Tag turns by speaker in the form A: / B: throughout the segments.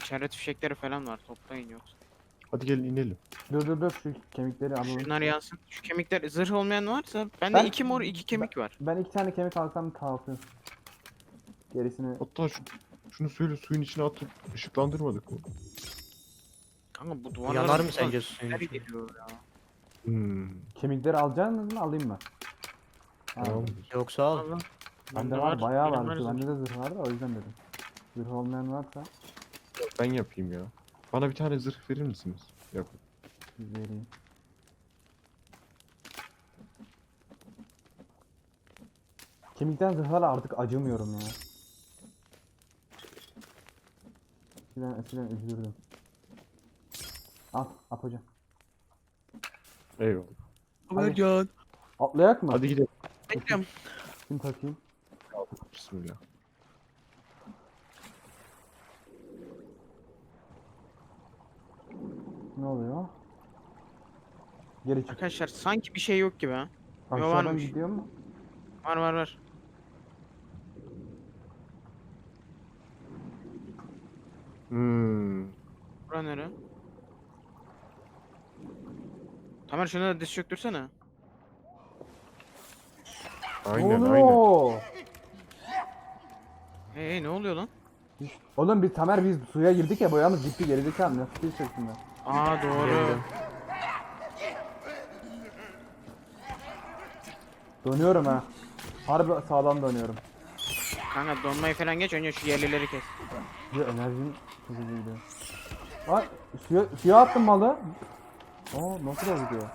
A: İçeride fişekleri falan var. Toplayın yoksa.
B: Hadi gelin inelim.
C: Dur şu kemikleri alalım.
A: Şunlar yansın. Şu kemikler zırh olmayan varsa bende
C: Ben-
A: 2 mor 2 kemik var.
C: Ben 2 tane kemik alsam kalsın. Gerisini
B: Hatta şunu söyle, suyun içine atıp ışıklandırmadık mı?
A: Kanka bu duvarlar
D: Yanar mı sence suyun
A: Nereye
D: içinde?
A: geliyor ya?
C: kemikleri alacaksınız mı alayım mı?
B: Tamam.
D: Yoksa al.
A: Allah.
C: Bende
A: Bende
C: var bayağı
A: benim
C: var.
A: zırh.
C: Bende de zırh var da o yüzden dedim. Zırh olmayan varsa
B: Ben yapayım ya. Bana bir tane zırh verir misiniz? Yapın.
C: vereyim. Kemikten zırhlara artık acımıyorum ya. Eskiden üzülürdüm. Al hocam.
B: Eyvallah.
A: Ömercan.
C: Atlayak mı?
B: Hadi gidelim.
A: Bekliyorum.
C: Şimdi takayım.
B: Bismillah.
C: Ne oluyor? Geri çık.
A: Arkadaşlar sanki bir şey yok gibi ha.
C: Aşağıdan
A: varmış.
C: gidiyor mu?
A: Var.
B: Hmm.
A: Bura nere? Tamer şunu da diz çöktürsene.
B: Aynen
C: Oo!
B: aynen.
A: Hey ne oluyor lan?
C: Oğlum biz Tamer biz suya girdik ya boyamız gitti gerizekalı nasıl bir şeklinde.
A: Aa doğru.
D: Geldim.
C: Dönüyorum ha. Harbi sağlam dönüyorum.
A: Kanka donmayı falan geç önce şu yerlileri kes.
C: Bir enerjim hızlı gidiyor. Ay suya attım malı. Oo nasıl da gidiyor?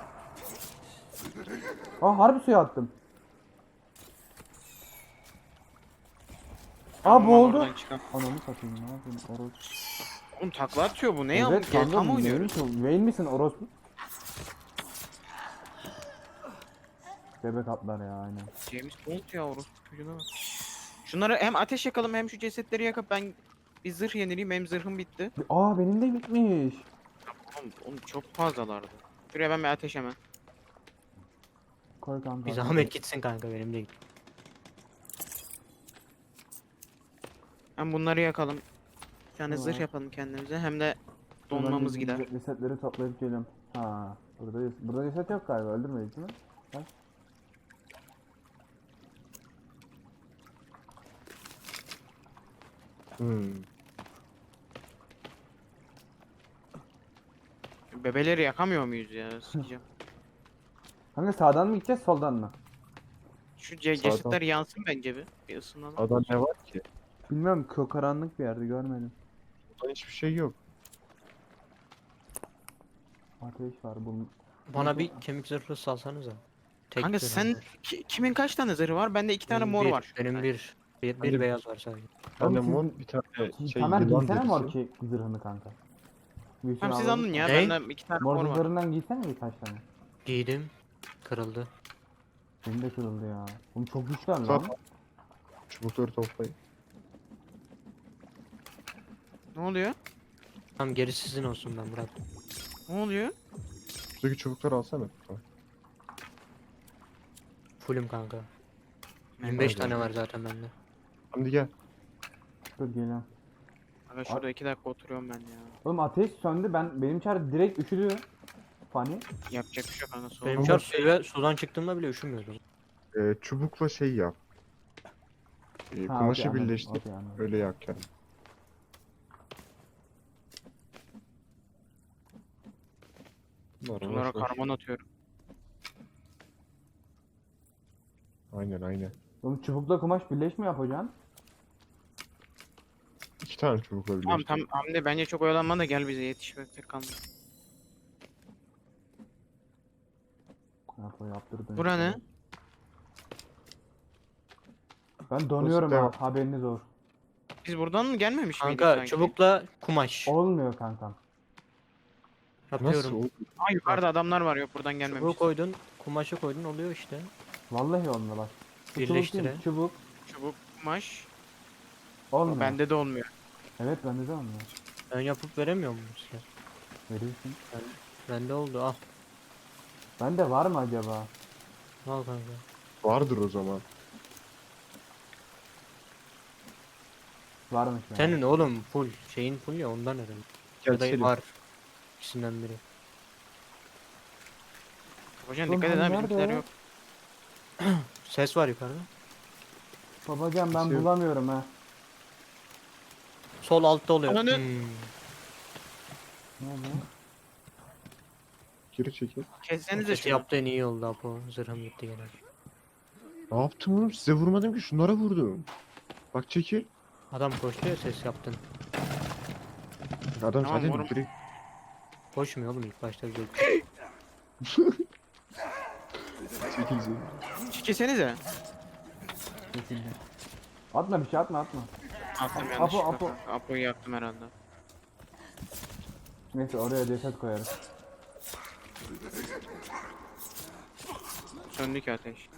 C: Aa harbi suya attım. Aa
A: Tamam,
C: boğuldu.
A: oradan çıkalım.
C: Ananı satayım ne yapayım orospu.
A: Oğlum takla atıyor bu ne ya?
C: Evet
A: Gel
C: kanka
A: tam oynuyoruz.
C: Vayne misin orospu? Bebek atlar ya aynen.
A: James Bond ya orospu çocuğuna bak. Şunları hem ateş yakalım hem şu cesetleri yakıp ben bir zırh yenileyim hem zırhım bitti.
C: Aa benim de bitmiş.
A: Oğlum çok fazlalardı. Şuraya ben bir ateş hemen.
C: Koy kanka.
D: Bir zahmet gitsin kanka benim değil.
A: Hem bunları yakalım. Bir tane
C: Tamam.
A: zırh yapalım kendimize hem de
C: Dur, ben
A: donmamız
C: bir
A: gider.
C: Resetleri toplayıp geliyorum. Ha, burada reset yok galiba. Öldürmedik değil mi? Bak.
B: Hmm.
A: Bebeleri yakamıyor muyuz ya? Sikeceğim.
C: Kanka sağdan mı gideceğiz, soldan mı?
A: Şu
B: Sağdan.
A: cesetler yansın bence bir ısınalım.
B: Adam ne var ki?
C: Bilmiyorum, karanlık bir yerde görmedim.
B: Burada hiçbir şey yok.
C: Ateş var bunun.
D: Bana bir kemik zırhı salsanıza. Tek
A: Kanka
D: zırhım
A: sen
D: var.
A: kimin kaç tane zırhı var? Bende 2 tane
D: Benim
A: mor
D: bir,
A: var.
D: Benim bir
B: Hadi.
D: beyaz var sadece.
B: Bir tane
C: Oğlum siz-
B: mor, bir tane şey
C: Tamer
B: yılan
C: giysene mor
B: derisi.
C: ki zırhını kanka. Bir şey
A: Tamam siz
C: alalım.
A: alın ya.
D: Ne?
A: Bende 2 tane
C: Mor
A: mor var.
C: zırhlarından giysene birkaç tane.
D: Giydim. Kırıldı.
C: Benim de kırıldı ya. Oğlum çok güçlü lan.
B: Tamam. Çubukları toplayın.
A: Ne oluyor?
D: Tamam gerisi sizin olsun ben bırak.
A: Ne oluyor?
B: Şuradaki çubukları alsana. Tamam.
D: Fullüm kanka.
A: Ben
D: 25
B: de.
D: tane var zaten bende.
B: Hadi gel.
C: Dur geliyorum.
A: Kanka şurada 2 dakika oturuyorum ben ya.
C: Oğlum ateş söndü, benim çar direkt üşüdü. Fani.
A: Yapacak bir şey yok kanka.
D: Benim
A: Soğuk.
D: çar sudan çıktığımda bile üşümüyordum.
B: Çubukla şey yap.
C: Ha,
B: Kumaşı
C: okey, anladım,
B: birleştir.
C: okey, anladım.
B: Öyle yak yani.
A: Bunlara karbon atıyorum.
B: Aynen.
C: Oğlum çubukla kumaş birleş mi yapacaksın?
B: 2 tane çubukla birleştir.
A: Tamam Hamdi bence çok oyalanma da gel bize yetişmekte kalma.
C: Yaptırdın.
A: Bura ne?
C: Ben donuyorum ha,
B: devam.
C: haberiniz olsun.
A: Biz buradan mı gelmemiş miydik
D: Kanka
A: sanki?
D: çubukla kumaş.
C: Olmuyor kankam.
D: Yapıyorum.
B: Nasıl oldu?
A: Aa yukarıda adamlar var yok buradan gelmemiş.
D: Çubuğu koydun, kumaşı koydun oluyor işte.
C: Vallahi olmuyor bak. Şu çubuk
D: Birleştire.
C: değil, çubuk.
A: Çubuk, kumaş.
C: Olmuyor.
A: Bende de olmuyor.
C: Evet bende de olmuyor.
D: Ben yapıp veremiyor muyum size?
C: Verirsin.
D: Bende oldu al.
C: Bende var mı acaba?
D: Al kanka.
B: Vardır o zaman.
C: Varmış yani.
D: Senin oğlum full. Şeyin full ya ondan herhalde.
B: Gel
D: Ya da
B: Selim.
D: var. İkisinden biri.
A: Hocam
C: Oğlum
A: dikkat edin
C: hani
A: ha,
C: nerede
A: bizimkiler
C: o?
A: yok.
D: Ses var yukarıda.
C: Babacan ben
B: Şey-
C: bulamıyorum ha.
D: Sol altta oluyor.
A: Ananı-
C: Ne oldu?
B: Geri çekil.
A: Kessenize
D: Sesi
A: şunu.
D: yaptığın iyi oldu Apo. Zırhım gitti gene.
B: Ne yaptım oğlum? Size vurmadım ki, şunlara vurdum. Bak çekil.
D: Adam koştu ya ses yaptın.
B: Adam
A: Tamam,
B: zaten
A: vurum.
B: direkt
D: Koşmuyor oğlum ilk başta güzel.
B: çekil Selim.
A: Kessenize.
C: Kesildi. Atma bir şey atma.
A: Attım
C: Apo,
A: yanlışlıkla.
C: Apo.
A: Apo'yu yaktım herhalde.
C: Neyse oraya ceset koyarız.
A: Söndü ki ateş.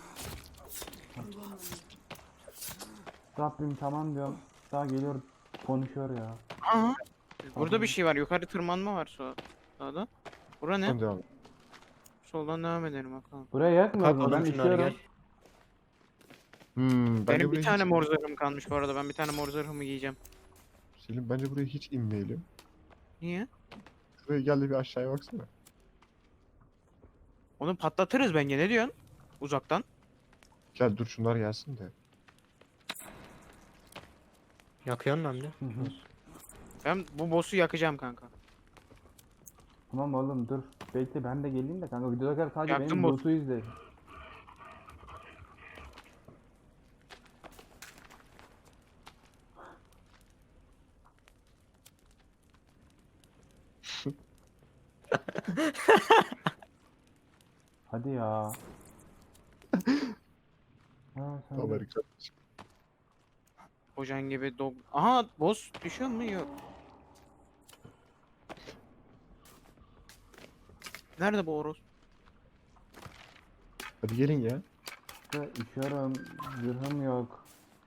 C: Rabbim tamam diyorum. Daha geliyor konuşuyor ya.
A: Aha. Burada bir şey var. Yukarı tırmanma var sağda. Bura ne?
B: Tamam devam et.
A: Soldan devam edelim bakalım.
C: Buraya yakmıyor mu? Ben
D: Kalkalım şunları
C: işiyorum.
D: gel.
B: Bence
A: Benim
B: buraya
A: bir tane
B: hiç...
A: mor zırhım kalmış bu arada. Ben bir tane mor zırhımı giyeceğim.
B: Selim bence buraya hiç inmeyelim.
A: Niye?
B: Şuraya gel de bir aşağıya baksana.
A: Onu patlatırız bence. Ne diyorsun? Uzaktan.
B: Gel dur şunlar gelsin de.
D: Yakıyorsun lan de.
C: Hı hı.
A: Ben bu boss'u yakacağım kanka.
C: Tamam oğlum dur. Bekle ben de geleyim de kanka videoda kadar sadece
A: Yaktın
C: benim
A: mı?
C: loot'u izle. Hadi ya. Ha, sen de-
B: Amerika.
A: Hocan gibi dog. Aha boss düşüyor mu? Yok. Nerede bu Oros?
B: Hadi gelin ya.
C: İşte üşüyorum. Zırhım yok.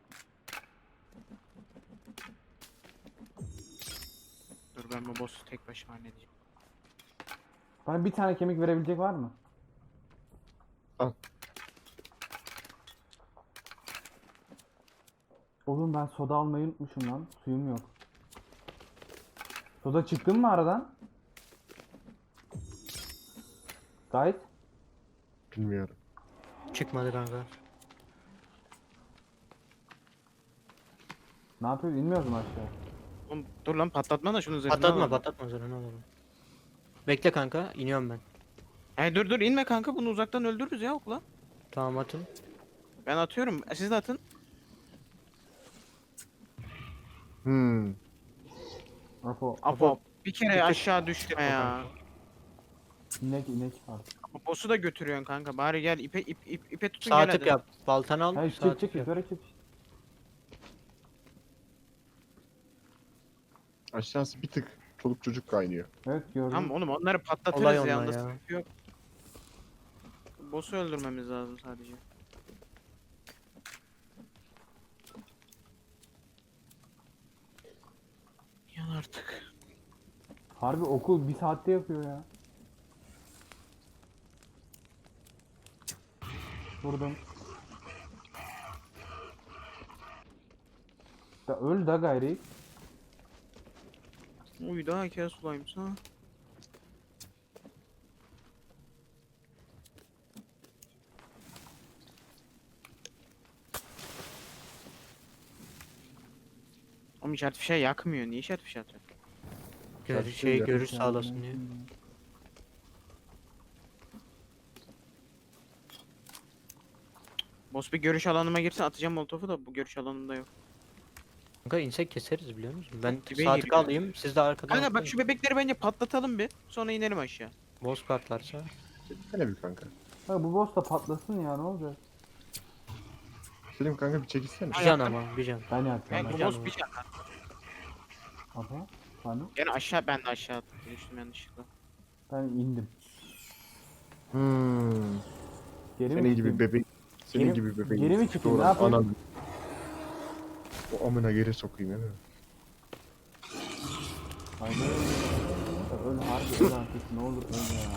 A: Dur ben bu boss'u tek başıma halledeceğim.
C: Bana bir tane kemik verebilecek var mı?
B: Al.
C: Oğlum ben soda almayı unutmuşum lan. Suyum yok. Soda çıktın mı aradan? Gayet.
B: Bilmiyorum.
D: Çıkmadı kanka.
C: Ne yapıyoruz? İnmiyoruz mu aşağı?
A: Oğlum, dur lan patlatma da şunu zırhını
D: Patlatma
A: alalım.
D: patlatma zırhını alalım. Bekle kanka iniyorum ben.
A: Dur inme kanka, bunu uzaktan öldürürüz ya okla.
D: Tamam atın.
A: Ben atıyorum. Siz de atın.
C: Apo.
A: Apo bir kere
D: tık.
A: aşağı düşme ya.
C: İnek var.
A: Boss'u da götürüyorsun kanka. Bari gel ipe tutun
D: Sağ
A: gel
D: tık
A: hadi.
D: yap. Baltanı al.
C: Hayır
D: Sağ
C: çık
D: tık yap.
C: yukarı çık.
B: Aşağısı bir tık çoluk çocuk kaynıyor.
C: Evet gördüm.
A: Tamam oğlum, onları patlatırız
D: Olay
A: ya.
D: onlar
A: Onda
D: ya.
A: sıkıntı yok. Boss'u öldürmemiz lazım sadece. Yan artık.
C: Harbi okul bir saatte yapıyor ya. Vurdum. Da öl da gayri.
A: Uy daha hikaye sulaymış ha. Oğlum işaret fişeği yakmıyor. Niye işaret fişeği atıyor?
D: Görüş sağlasın diye.
A: Boss bir görüş alanıma girsin, atacağım molotofu da bu görüş alanında yok.
D: Kanka insek keseriz biliyor musun? Ben
A: Dibe
D: sağ tık
A: giriyor.
D: alayım siz de arkadan
A: Kanka bak
D: atlayın.
A: şu bebekleri bence patlatalım bir. Sonra inelim aşağı.
D: Boss kartlarsa.
B: Hele bir kanka.
C: Ha bu boss da patlasın ya ne olacak?
B: Selim kanka bir çekilsene.
D: Bir can ama bir can.
C: Ben yapacağım.
A: Ben bu
C: Ben.
A: boss bir can.
C: Aha. Hani
A: Yani aşağı, ben de aşağı attım. Düştüm yanlışlıkla.
C: ben indim. Geri mi
B: Senin gibi
C: çıkayım?
B: bebek. Senin
C: Geri-
B: gibi bebek.
C: geri mi çıkayım,
B: Doğru,
C: ne yapayım?
B: anam. O amına geri sokayım değil mi?
C: Haydi. Öl harbi öl artık ne olur öl ya.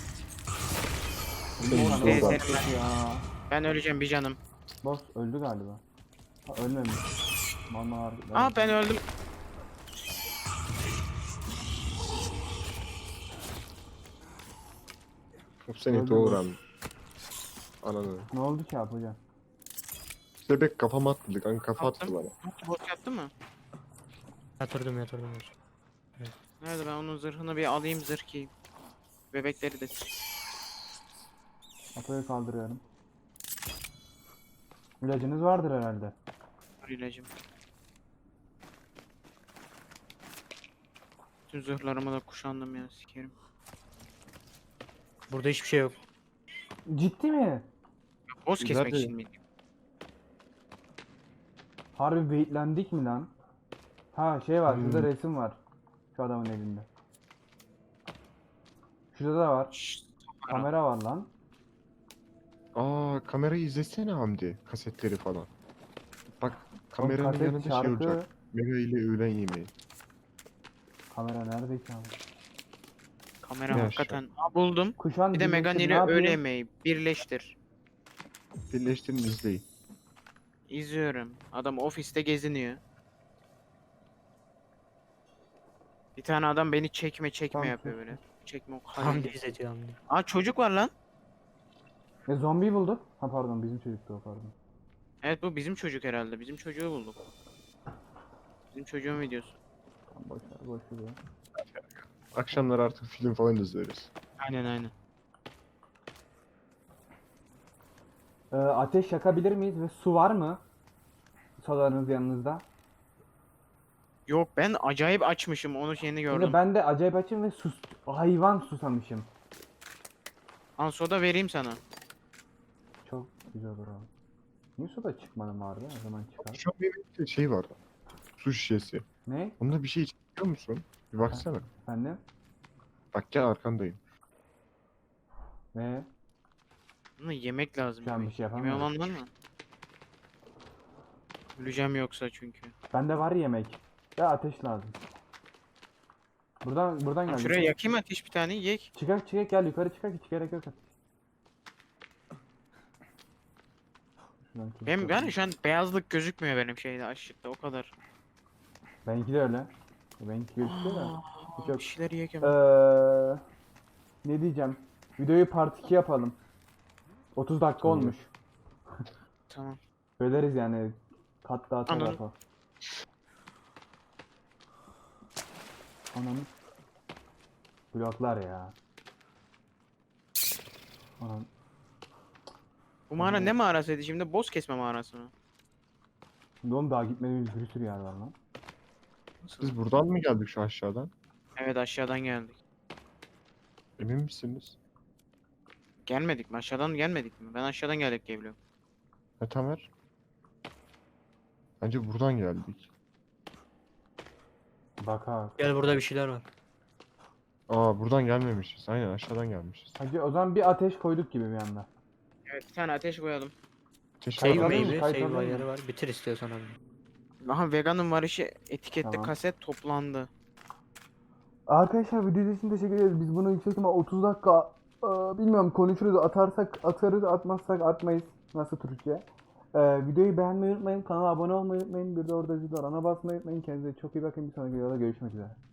B: Senin
C: Ulan
A: Senin-
C: boss
A: senin-
C: ya.
A: Ben öleceğim bir canım.
C: Boss öldü galiba. Ha ölmemiş. Bana var.
A: Aa ben öldüm.
B: Hop seni
C: Öldü
B: doğuran.
C: mü?
B: Ananı.
C: Ne oldu ki abi hocam?
B: Bebek kafama attı kanka, kafa attı
A: Attım.
B: bana.
A: Bot yaptı mı?
D: Yatırdım hocam.
A: Nerede, ben onun zırhını bir alayım, zırh giyeyim. Bebekleri de
C: Apo'yu kaldırıyorum. İlacınız vardır herhalde.
A: var ilacım. Tüm zırhlarımı da kuşandım ya, sikerim.
D: Burada hiçbir şey yok.
C: Ciddi mi?
A: Boss kesmek
B: Nerede?
A: için miydi?
C: Harbi weightlendik mi lan? Ha şey var, şurada
B: Hmm.
C: resim var. Şu adamın elinde. Şurada da var.
A: Şşş,
C: Kamera var lan.
B: Aa, kamerayı izlesene Hamdi. Kasetleri falan. Bak,
C: Oğlum,
B: kameranın
C: kaset,
B: yanında şey
C: şarkı.
B: olacak. Mega ile öğlen yemeği.
C: Kamera nerede ki abi?
A: kamera
B: Ne
A: hakikaten. Aa, buldum.
C: Kuşan
A: Bir de Megan
C: birleştir, ne
A: ile
C: yapayım?
A: öğle yemeği birleştir.
B: Birleştirin, izleyin.
A: İzliyorum. Adam ofiste geziniyor. Bir tane adam beni çekme
C: Tamam,
A: yapıyor
C: çek.
A: böyle. Çekme o
D: Hamdi
A: kadar.
D: izletiyor Hamdi.
A: Aa çocuk var lan.
C: Zombi bulduk. Ha pardon, bizim çocuktu o, pardon.
A: Evet, bu bizim çocuk herhalde. Bizim çocuğu bulduk. Bizim çocuğun videosu.
C: Tamam, boş ver, boş ver. Ya.
B: Akşamlar artık film falan izleriz.
A: Aynen.
C: Ateş yakabilir miyiz ve su var mı? Solarınız yanınızda.
A: Yok, ben acayip açmışım, onu yeni gördüm.
C: Şimdi ben de acayip açım ve hayvan susamışım.
A: Ansoda vereyim sana.
C: Çok güzel olur abi. Niye soda çıkmadım vardı? O zaman çıkar.
B: Şu an benim şey var. Su şişesi.
C: Ne?
B: Onda bir şey içiyor musun? Bir baksana.
C: Efendim?
B: Bak gel, arkandayım.
C: Ne?
A: Bunu yemek lazım.
C: Şu an
A: yemek.
C: bir şey
A: Yemeği
C: yapamıyorum.
A: olan var mı? Öleceğim yoksa çünkü.
C: Bende var yemek. Ve ateş lazım. Buradan
A: Lan
C: gel.
A: şuraya yakayım ateş bir tane, yek.
C: Çıkak gel yukarı çıkak, hiç gerek yok. Şuradan
A: Benim
C: çıkak.
A: yani şu an beyazlık gözükmüyor benim şeyde, aşıkta o kadar.
C: Benimki de öyle. Benimki gözüküyor da. Hiç yok.
A: Bir şeyler yiyek
C: Ee,
A: hemen.
C: ne diyeceğim? Videoyu part 2 yapalım. 30 dakika
B: Tamam.
C: olmuş.
A: Tamam.
C: Böleriz yani. Kat dağıta
A: Anladım.
C: dağıta. Ananı. Bloklar ya. Anan.
A: Bu mağara ne mağarasıydı şimdi? Boss kesme mağarası mı?
C: Şimdi oğlum daha gitmediğimiz bir sürü yer var lan.
A: Nasıl?
B: Biz buradan mı geldik, şu aşağıdan?
A: Evet, aşağıdan geldik.
B: Emin misiniz?
A: Gelmedik mi? Aşağıdan gelmedik mi? Ben aşağıdan geldik diye biliyorum.
B: Ne Tamer? Bence buradan geldik.
C: Bak ha.
D: Gel, burada bir şeyler var.
B: Aa, buradan gelmemişiz. Aynen, aşağıdan gelmişiz.
C: Hacı o zaman bir ateş koyduk gibi bir anda.
A: Evet, bir tane ateş koyalım.
B: Keşke
D: Save
C: Kayıt alıyor
D: meyve,
C: musun? Kayıt
D: save
C: alıyor
D: ayarı
C: musun?
D: var. Bitir istiyorsan abi.
A: Aha, veganın var işi etiketli
C: Tamam.
A: kaset toplandı.
C: Arkadaşlar video için teşekkür ederiz. Biz bunu yüksek ihtimal 30 dakika bilmiyorum konuşuruz. Atarsak atarız, atmazsak atmayız. Nasıl Türkçe? Videoyu beğenmeyi unutmayın. Kanala abone olmayı unutmayın. Bir de orada zil var. Ona basmayı unutmayın. Kendinize çok iyi bakın. Bir sonraki videoda görüşmek üzere.